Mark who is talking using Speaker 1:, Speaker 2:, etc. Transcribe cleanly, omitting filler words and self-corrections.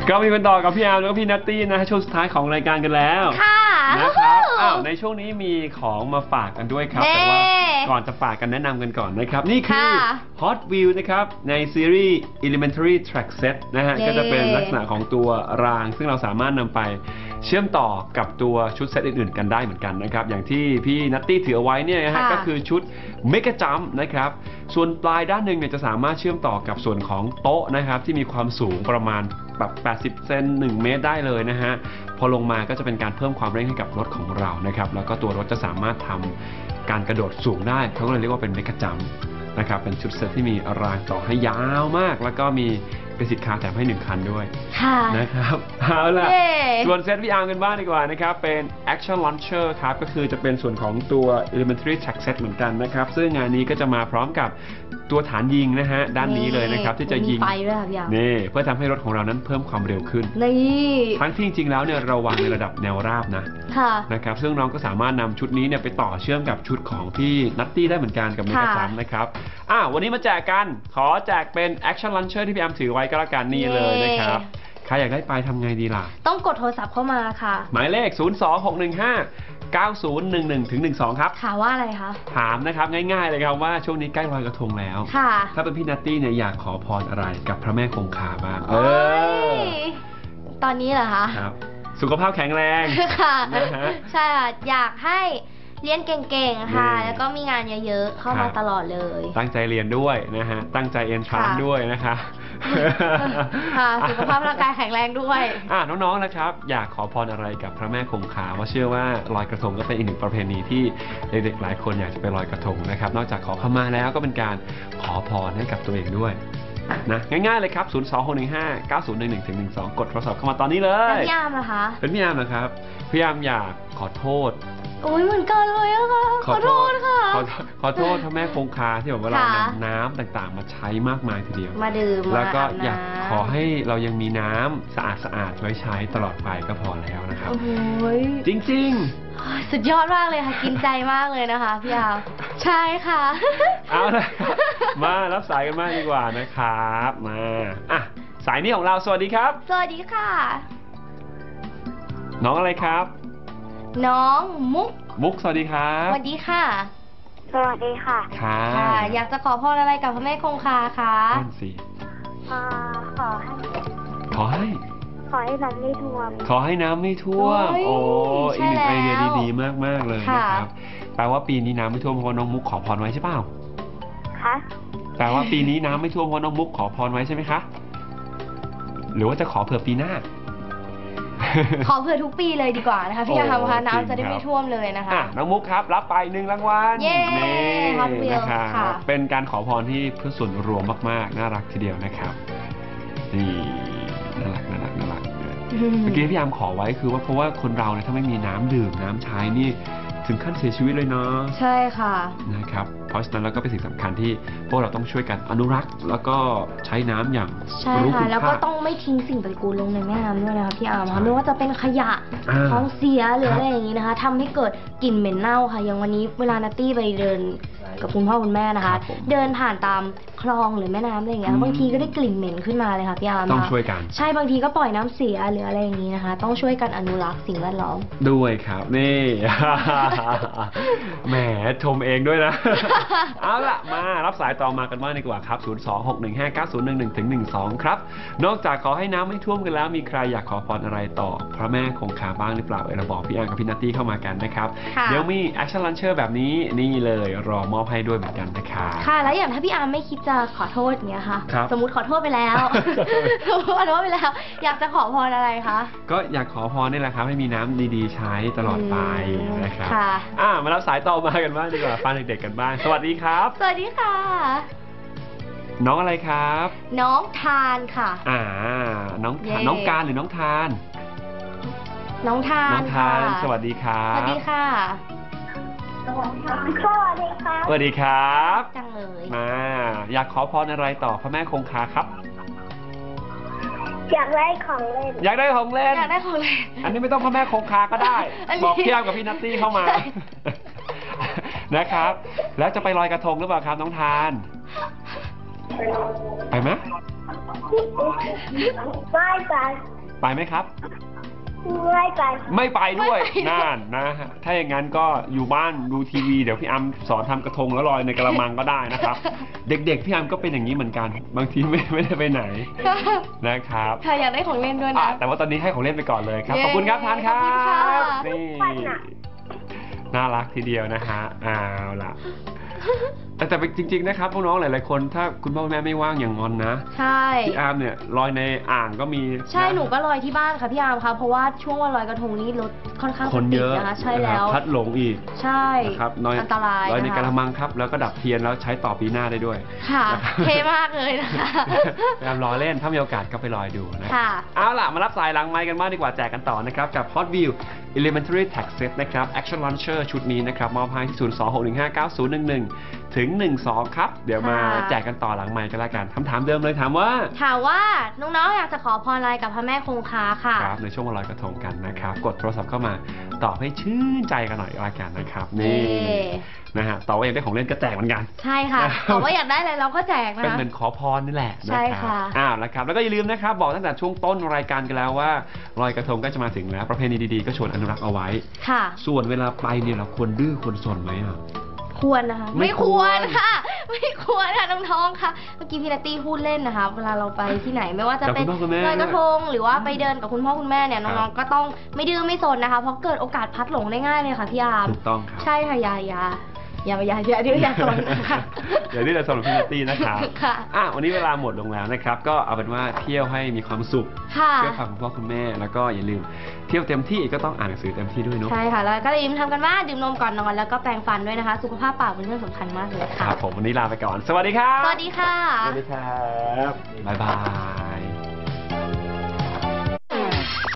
Speaker 1: ก็มีกันต่อกับพี่อาร์มแล้วก็พี่นัตตี้นะช่วงสุดท้ายของรายการกันแล้ว
Speaker 2: ค่ะ
Speaker 1: นะครับในช่วงนี้มีของมาฝากกันด้วยครับแต่ว่าก่อนจะฝากกันแนะนำกันก่อนนะครับนี่คือ Hot Wheels นะครับในซีรีส์ Elementary Track Set นะฮะก็จะเป็นลักษณะของตัวรางซึ่งเราสามารถนำไปเชื่อมต่อกับตัวชุดเซตอื่นๆกันได้เหมือนกันนะครับอย่างที่พี่นัตตี้ถือเอาไว้เนี่ยนะฮะก็คือชุด Mega Jump นะครับส่วนปลายด้านหนึ่งเนี่ยจะสามารถเชื่อมต่อกับส่วนของโต๊ะนะครับที่มีความสูงประมาณแบบ80 เซน1 เมตรได้เลยนะฮะพอลงมาก็จะเป็นการเพิ่มความเร่งให้กับรถของเรานะครับแล้วก็ตัวรถจะสามารถทำการกระโดดสูงได้เขาก็เลยเรียกว่าเป็น Mega Jump นะครับเป็นชุดเซตที่มีรางต่อให้ยาวมากแล้วก็มีเป็นสิทธิ์คาร์แถมให้1 คันด้วยนะครับเอาล่ะส่วนเซตพี่อาร์มกันบ้างดีกว่านะครับเป็น Action Launcher ครับก็คือจะเป็นส่วนของตัว Elementary Track Set เหมือนกันนะครับซึ่งงานนี้ก็จะมาพร้อมกับตัวฐานยิงนะฮะด้านนี้เลยนะครับที่จะยิง
Speaker 2: ไฟด้วยครับพี่อาร์ม
Speaker 1: นี่เพื่อทำให้รถของเรานั้นเพิ่มความเร็วขึ้น
Speaker 2: นี่
Speaker 1: ทั้งที่จริงๆแล้วเนี่ยเราวางในระดับแนวราบนะครับซึ่งน้องก็สามารถนำชุดนี้เนี่ยไปต่อเชื่อมกับชุดของพี่นัตตี้ได้เหมือนกันกับเมกะจัมป์นะครับวันนี้มาแจกกันขอแจกเป็น Action Launcher ที่พี่อาร์มถือไว้ก็แล้วกันนี่เลยนะครับใครอยากได้ไปทำไงดีล่ะ
Speaker 2: ต้องกดโทรศัพท์เข้ามาค่ะ
Speaker 1: หมายเลข 026159011-12 ครับ
Speaker 2: ถามว่าอะไรคะ
Speaker 1: ถามนะครับง่ายๆเลยครับว่าช่วงนี้ใกล้ลอยกระทงแล้วถ้าเป็นพี่นัตตี้เนี่ยอยากขอพรอะไรกับพระแม่คงคาบ้าง
Speaker 2: ตอนนี้เหรอคะ
Speaker 1: ครับสุขภาพแข็งแรง
Speaker 2: ค่ะใช่ค่ะอยากให้เรียนเก่งๆค่ะแล้วก็มีงานเยอะๆเข้ามาตลอดเลย
Speaker 1: ตั้งใจเรียนด้วยนะฮะตั้งใจเอ็นทรานด้วยนะคะ
Speaker 2: ค่ะสุขภาพร่างกายแข็งแรงด้วย
Speaker 1: น้องๆนะครับอยากขอพรอะไรกับพระแม่คงคาเพราะเชื่อว่าลอยกระทงก็เป็นอีกหนึ่งประเพณีที่เด็กๆหลายคนอยากจะไปลอยกระทงนะครับนอกจากขอขมาแล้วก็เป็นการขอพรให้กับตัวเองด้วยนะง่ายๆเลยครับ 026159011-12 กดโทรศัพท์เข้ามาตอนนี้เลย
Speaker 2: เป็นพี่อาร์มเหรอคะ
Speaker 1: เป็นพี่อาร์มนะครับพี่อาร์มอยากขอโทษ
Speaker 2: โอ้ยเหมือนกันเลยอะค่ะขอโทษค่ะ
Speaker 1: ขอโทษพระแม่คงคาที่แบบว่าเรานำน้ำต่างๆมาใช้มากมายทีเดียว
Speaker 2: มาดื่ม
Speaker 1: แล้วก็อยากขอให้เรายังมีน้ำสะอาดไว้ใช้ตลอดไปก็พอแล้วนะครับจริง
Speaker 2: ๆสุดยอดมากเลยค่ะกินใจมากเลยนะคะพี่อาร์มใช่ค่ะ
Speaker 1: เอาละมารับสายกันมากดีกว่านะครับมาสายนี้ของเราสวัสดีครับ
Speaker 2: สวัสดีค่ะ
Speaker 1: น้องอะไรครับ
Speaker 2: น้องมุก
Speaker 1: สวัสดีครับ
Speaker 2: สวัสดีค่ะ
Speaker 3: สวัสดีค่ะ
Speaker 1: ค่ะ
Speaker 2: อยากจะขอพรอะไรกับพระแม่คงคาคะ
Speaker 1: นั่นสิ
Speaker 3: ขอให้น้ำไม่ท่วม
Speaker 1: ขอให้น้ำไม่ท่วมโอ้อีกหนึ่งไอเดียดีๆมากๆเลยนะครับแปลว่าปีนี้น้ำไม่ท่วมเพราะน้องมุกขอพรไว้ใช่เปล่า
Speaker 3: คะ
Speaker 1: แปลว่าปีนี้น้ำไม่ท่วมเพราะน้องมุกขอพรไว้ใช่ไหมคะหรือว่าจะขอเผื่อปีหน้า
Speaker 2: ขอเผื่อทุกปีเลยดีกว่านะคะพี่อาร์มคะน้ำจะได้ไม่ท่วมเลยนะคะ
Speaker 1: น้องมุกครับรับไป1 รางวัล
Speaker 2: เย้ฮอตวิว
Speaker 1: ค่ะเป็นการขอพรที่เพื่อส่วนรวมมากๆน่ารักทีเดียวนะครับนี่น่ารักเมื่อกี้พี่อาร์มขอไว้คือว่าเพราะว่าคนเราเนี่ยถ้าไม่มีน้ำดื่มน้ำใช้นี่ถึงขั้นเสียชีวิตเลยเนาะ
Speaker 2: ใช่ค่ะ
Speaker 1: นะครับเพราะฉะนั้นแล้วก็เป็นสิ่งสำคัญที่พวกเราต้องช่วยกันอนุรักษ์แล้วก็ใช้น้ำอย่าง
Speaker 2: รู้คุณค่าแล้วก็ต้องไม่ทิ้งสิ่งปฏิกูลลงในแม่น้ำด้วยนะคะพี่อาร์มไม่ว่าจะเป็นขยะของเสียหรืออะไรอย่างนี้นะคะทำให้เกิดกลิ่นเหม็นเน่าค่ะอย่างวันนี้เวลานัตตี้ไปเดินกับคุณพ่อคุณแม่นะคะเดินผ่านตามคลองหรือแม่น้ำอะไรอย่างเงี้ยบางทีก็ได้กลิ่นเหม็นขึ้นมาเลยค่ะพี่อาร์ม
Speaker 1: ต้องช่วยกัน
Speaker 2: ใช่บางทีก็ปล่อยน้ำเสียหรืออะไรอย่างนี้นะคะต้องช่วยกันอนุรักษ์สิ่งแวดล้อม
Speaker 1: ด้วยครับนี่แหมชมเองด้วยนะเอาล่ะมารับสายต่อมากันบ้างดีกว่าครับ 026159011-12 ครับนอกจากขอให้น้ำไม่ท่วมกันแล้วมีใครอยากขอพรอะไรต่อพระแม่คงคาบ้างหรือเปล่าเราบอกพี่อาร์กับพี่นัตตี้เข้ามากันนะครับเดี๋ยวมี Action Launcher แบบนี้นี่เลยรอมอบให้ด้วยเหมือนกันนะครับ
Speaker 2: ค่ะแล้วอย่างถ้าพี่อาร์มไม่คิดจะขอโทษเนี้ยค่ะสมมุติขอโทษไปแล้วอยากจะขอพรอะไรคะ
Speaker 1: ก็อยากขอพรนี่แหละครับให้มีน้ำดีๆใช้ตลอดไปนะครับมารับสายต่อมากันบ้างดีกว่าฟังเด็กๆกันบ้างสวัสดีครับ
Speaker 2: สวัสดีค่ะ
Speaker 1: น้องอะไรครับ
Speaker 2: น้องทานค่ะ
Speaker 1: น้องการหรือน้องทาน
Speaker 2: น้องทาน
Speaker 1: สวัสดีครับ
Speaker 2: สวัสดีค่ะ
Speaker 3: สวัสดีครับ
Speaker 1: สวัสดีครับ
Speaker 2: จังเลย
Speaker 1: มาอยากขอพรอะไรต่อพระแม่คงคาครับ
Speaker 3: อยากได้ของเล่น
Speaker 1: อยากได้ของเล่นอันนี้ไม่ต้องพระแม่คงคาก็ได้บอกพี่อาร์มกับพี่นัตตี้เข้ามานะครับแล้วจะไปลอยกระทงหรือเปล่าครับน้องทานไปไหม
Speaker 3: ไม่ไป
Speaker 1: ไปไหมครับ
Speaker 3: ไม่ไป
Speaker 1: ไม่ไปด้วย
Speaker 2: ไม่ไปด้วย
Speaker 1: นั่นนะฮะถ้าอย่างนั้นก็อยู่บ้านดูทีวีเดี๋ยวพี่อัมสอนทำกระทงแล้วลอยในกระมังก็ได้นะครับ เด็กๆพี่อัมก็เป็นอย่างนี้เหมือนกัน บางทีไม่ได้ไปไหนนะครับ
Speaker 2: ค่ะอยากได้ของเล่นด้วย
Speaker 1: อ่ะ
Speaker 2: นะ
Speaker 1: แต่ว่าตอนนี้ให้ของเล่นไปก่อนเลยครับ
Speaker 2: เย้
Speaker 1: ขอบคุณครับทานครั
Speaker 2: ขอบคุณค่ะ
Speaker 1: บนี่
Speaker 3: ปันอ่ะ
Speaker 1: น่ารักทีเดียวนะฮะเอาล่ะแต่จริงๆนะครับพวกน้องหลายๆคนถ้าคุณพ่อคุณแม่ไม่ว่างอย่างงอนนะ
Speaker 2: ใช่
Speaker 1: พี่อาร์มเนี่ยลอยในอ่างก็มี
Speaker 2: ใช่
Speaker 1: ะ
Speaker 2: หนูก็ลอยที่บ้านค่ะพี่อาร์มค่ะเพราะว่าช่วงวันลอยกระทงนี้รถค่อนข้าง
Speaker 1: คน
Speaker 2: จะติ
Speaker 1: เย
Speaker 2: ด
Speaker 1: อะ
Speaker 2: นะคะใช่
Speaker 1: นะค
Speaker 2: แล้
Speaker 1: รับ
Speaker 2: ว
Speaker 1: พัดหลงอีก
Speaker 2: ใช่
Speaker 1: นะครับ
Speaker 2: อันตราย
Speaker 1: ลอยใน
Speaker 2: นะคะ
Speaker 1: กระมังครับ แล้วก็ดับเทียนแล้วใช้ต่อปีหน้าได้ด้วย
Speaker 2: ค่ะ
Speaker 1: นะครับ
Speaker 2: เท่มากเลยนะคะ
Speaker 1: พยายามรอเล่นถ้ามีโอกาสก็ไปลอยดูนะ
Speaker 2: ค่ะ
Speaker 1: เอาล่ะ มารับสายหลังไมค์กันบ้างดีกว่าแจกกันต่อนะครับ กับ Hot Wheels Elementary Tech Set นะครับ Action Launcher ชุดนี้นะครับมอบให้ที่ 026159011 ถึง 12 ครับ เดี๋ยวมา
Speaker 2: ค่ะ
Speaker 1: แจกกันต่อหลังไมค์กันละกันคำถามเดิมเลยถามว่า
Speaker 2: ถามว่าน้องๆอยากจะขอพรอะไรกับพระแม่คงคาค่ะ
Speaker 1: ครับในช่วงวันลอยกระทงกันนะครับ กดโทรศัพท์เข้ามาตอบให้ชื่นใจกันหน่อยละกันนะครับ นี่
Speaker 2: เย้
Speaker 1: นะฮะต่อว่าอยากได้ของเล่นก็แจกเหมือนกัน
Speaker 2: ใช่ค่ะบอกว่าอยากได้อะไรเราก็แจกนะ
Speaker 1: เป็น
Speaker 2: คะ
Speaker 1: เหมือนขอพรนี่แหละ
Speaker 2: ใช่
Speaker 1: นะครั
Speaker 2: ค่ะ
Speaker 1: นะครับแล้วก็อย่าลืมนะครับบอกตั้งแต่ช่วงต้นรายการกันแล้วว่าลอยกระทงก็จะมาถึงแล้วประเพณีดีๆก็ชวนอนุรักษ์เอาไว้
Speaker 2: ค่ะ
Speaker 1: ส่วนเวลาไปเนี่ยเราควรดื้อควรสนไหมอ่ะ
Speaker 2: ควรนะคะ
Speaker 1: ไม่ควร
Speaker 2: ค่ะ ไม่ควรค่ะน้องๆค่ะเมื่อกี้พี่นัตตี้พูดเล่นนะคะ เวลาเราไปที่ไหนไม่ว่าจะเป็น
Speaker 1: กับคุณพ่อคุณแม่
Speaker 2: ลอยกระทงหรือว่าไปเดินกับคุณพ่อคุณแม่เนี่ย
Speaker 1: ครับ
Speaker 2: น้องๆก็ต้องไม่ดื้อไม่สนนะคะ เพราะเกิดโอกาสพลัดหลงได้ง่ายเลยค่ะพี่อาร์ม
Speaker 1: ถูกต้องครับ
Speaker 2: ใช่ค่ะอย่าดื้ออย่าสนนะคะ
Speaker 1: เดี๋ยวนี้เราสำหรับพี่นัตตี้นะครับ
Speaker 2: ค่ะ
Speaker 1: วันนี้เวลาหมดลงแล้วนะครับ ก็เอาเป็นว่าเที่ยวให้มีความสุข
Speaker 2: ค่ะ
Speaker 1: เที่ยวกับคุณพ่อคุณแม่แล้วก็อย่าลืมเที่ยวเต็มที่ก็ต้องอ่านหนังสือเต็มที่ด้วยเนาะ
Speaker 2: ใช่ค่ะ แล้วก็อย่าลืมทำกันบ้านดื่มนมก่อนนอนแล้วก็แปรงฟันด้วยนะคะ สุขภาพปากเป็นเรื่องสำคัญมากเลย
Speaker 1: ค
Speaker 2: ค่ะ
Speaker 1: รับผมวันนี้ลาไปก่อน สวัสดีครับ
Speaker 2: สวัสดีค่ะ
Speaker 1: สวัสดีครับบ๊ายบาย